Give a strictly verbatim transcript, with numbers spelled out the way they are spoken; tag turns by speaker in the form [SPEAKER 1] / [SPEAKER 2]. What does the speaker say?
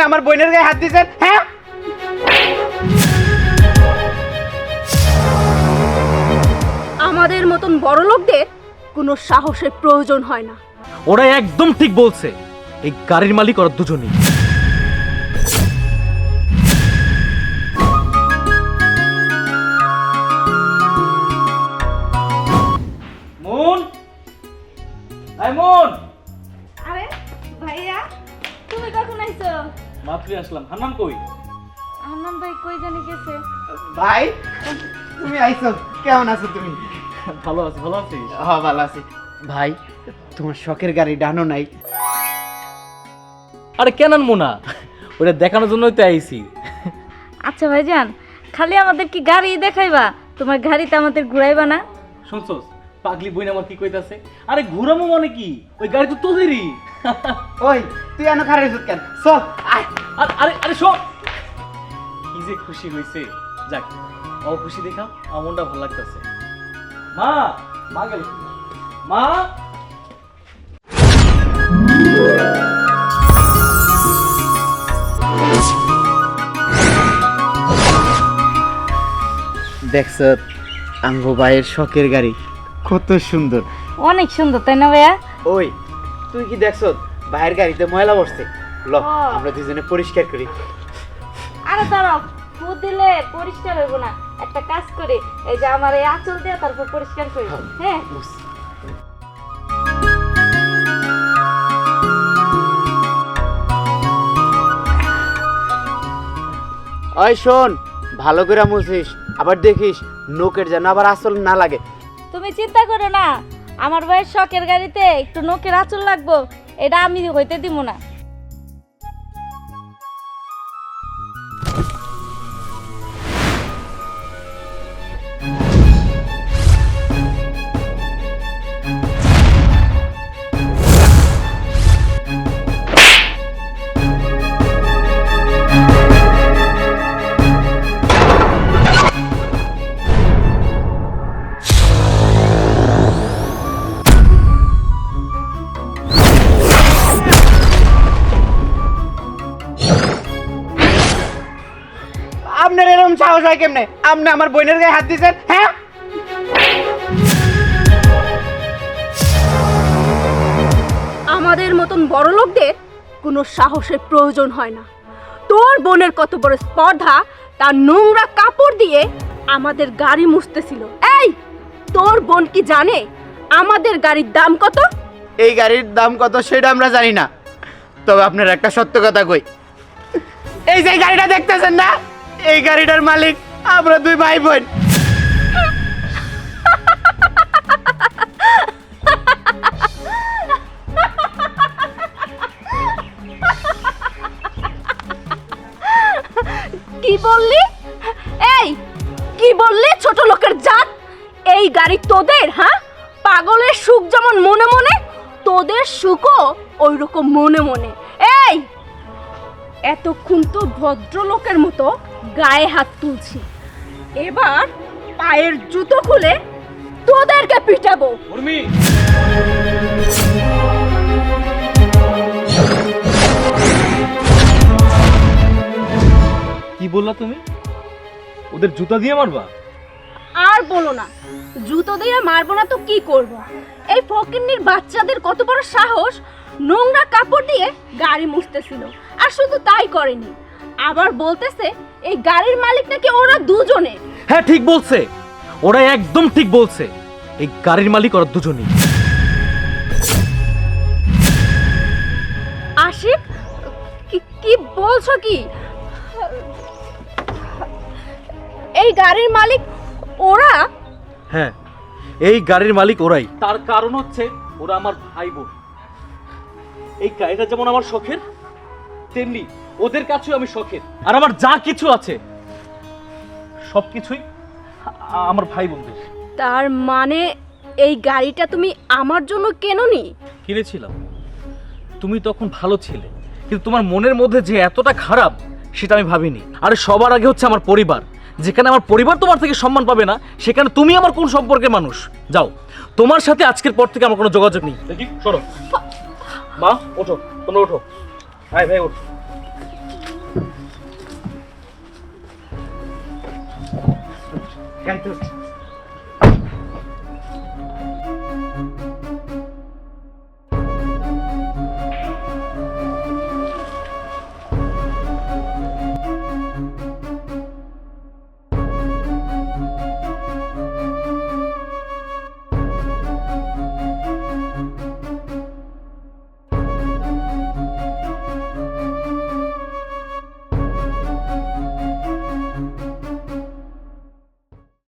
[SPEAKER 1] আমার বোনের গায়ে হাত দিয়েছেন? হ্যাঁ,
[SPEAKER 2] আমাদের মতন বড় লোকদের কোনো সাহসের প্রয়োজন হয় না।
[SPEAKER 3] ওরা একদম ঠিক বলছে, এই গাড়ির মালিক ওরা দুজনেই। মন, এই মন।
[SPEAKER 2] আরে ভাইয়া, তুমি কখন আইছো?
[SPEAKER 3] মাত্রই আসলাম। হান্নান কই?
[SPEAKER 2] হান্নান ভাই কই জানি গেছে।
[SPEAKER 1] ভাই তুমি আইছো, কেমন আছো তুমি?
[SPEAKER 3] ভালো আছি। ভালো আছিস?
[SPEAKER 1] হ্যাঁ ভালো আছি। ভাই তোমার শখের গাড়ি ডানো নাই?
[SPEAKER 3] আরে কেন আনবো না, ওটা দেখানোর জন্যই তো আইছি।
[SPEAKER 4] আচ্ছা ভাইজান, খালি আমাদের কি গাড়ি দেখাইবা, তোমার গাড়িতে আমাদের ঘুরাইবা না?
[SPEAKER 3] শুনছস পাগলি বইন আমার কি কইতাছে? আরে ঘুরামো মানে কি, ওই গাড়ি তো তোদেরই।
[SPEAKER 1] ওই তুই এনে খারে সুত কেন? চল আয়।
[SPEAKER 3] আরে আরে আরে শোন, কি যে খুশি হইছে। যাক, ও খুশি দেখা আমার মনটা ভালো লাগতেছে। মা, মা গেল। মা,
[SPEAKER 1] দেখছ আঙ্গো ভাইয়ের শখের গাড়ি কত সুন্দর।
[SPEAKER 4] অনেক সুন্দর, তাই না ভাইয়া?
[SPEAKER 1] ওই তুই কি দেখছ ভাইয়ের গাড়িতে ময়লা বসছে? ল
[SPEAKER 4] ও।
[SPEAKER 1] আমরা দুজনে পরিষ্কার করি।
[SPEAKER 4] আরে দাঁড়াও, ফুট দিলে পরিষ্কার হইব না। একটা কাজ করে, এই যে আমার এই আঁচল দিয়ে তারপর পরিষ্কার করি। হ্যাঁ,
[SPEAKER 1] ওই শোন, ভালো করে মুছিস, আবার দেখিস নোকের যেন আবার আসল না লাগে।
[SPEAKER 4] তুমি চিন্তা করো না, আমার ভাইয়ের শখের গাড়িতে একটু নখের আঁচল লাগবো, এটা আমি হইতে দিব না।
[SPEAKER 1] আপনার এরকম সাহস হয় কেমনে? আপনি আমার বোনের গায়ে হাত দিয়েছেন? হ্যাঁ,
[SPEAKER 2] আমাদের মতন বড় লোকদের কোনো সাহসের প্রয়োজন হয় না। তোর বোনের কত বড় স্পর্ধা, তার নোংরা কাপড় দিয়ে আমাদের গাড়ি মুছতেছিল। এই, তোর বোন কি জানে আমাদের গাড়ির দাম কত?
[SPEAKER 1] এই গাড়ির দাম কত সেটা আমরা জানি না, তবে আপনার একটা সত্য কথা কই, এই যে গাড়িটা দেখতেছেন না, এই গাড়িটার মালিক আমরা দুই ভাই বোন।
[SPEAKER 2] কি বললি? এই, কি বললি ছোট লোকের জাত? এই গাড়ি তোদের? হ্যাঁ, পাগলের সুখ যেমন মনে মনে, তোদের সুখও ওই রকম মনে মনে। এই, এতক্ষণ তো ভদ্রলোকের মতো গায়ে হাত তুলছি, এবার পায়ের জুতো খুলে তোদেরকে পিটাবো।
[SPEAKER 3] উর্মি, কি বললা তুমি? ওদের জুতা দিয়ে মারবা?
[SPEAKER 2] আর বলো না, জুতো দিয়ে মারবো না তো কি করব? এই ফকিন্নির বাচ্চাদের কত বড় সাহস, নোংরা কাপড় দিয়ে গাড়ি মুছতেছিল। আর শুধু তাই করেনি, আবার বলতেছে এই গাড়ির মালিক নাকি ওরা দুজনে।
[SPEAKER 3] হ্যাঁ ঠিক বলছে, ওরা একদম ঠিক বলছে, এই গাড়ির মালিক ওরা দুজনেই।
[SPEAKER 2] আশিক, কি- কি বলছো কি? এই গাড়ির মালিক ওরা?
[SPEAKER 3] হ্যাঁ, এই গাড়ির মালিক ওরাই। তার কারণ হচ্ছে ওরা আমার ভাই বোন। এই গাড়িটা যেমন আমার শখের, তেমনি ওদের কাছেও আমি শখের। আর আমার যা কিছু আছে সবকিছুই আ- আমার ভাই বোনদের।
[SPEAKER 2] তার মানে এই গাড়িটা তুমি আমার জন্য কেননি?
[SPEAKER 3] কিনেছিলাম, তুমি তখন ভালো ছিলে, কিন্তু তোমার মনের মধ্যে যে এতটা খারাপ সেটা আমি ভাবিনি। আর সবার আগে হচ্ছে আমার পরিবার। যেখানে আমার পরিবার তোমার থেকে সম্মান পাবে না, সেখানে তুমি আমার কোন সম্পর্কের মানুষ? যাও, তোমার সাথে আজকের পর থেকে আমার কোনো যোগাযোগ নেই। দেখি সরো। মা ওঠো, তোমরা ওঠো। ভাই ভাই ওঠো।
[SPEAKER 1] ধরছি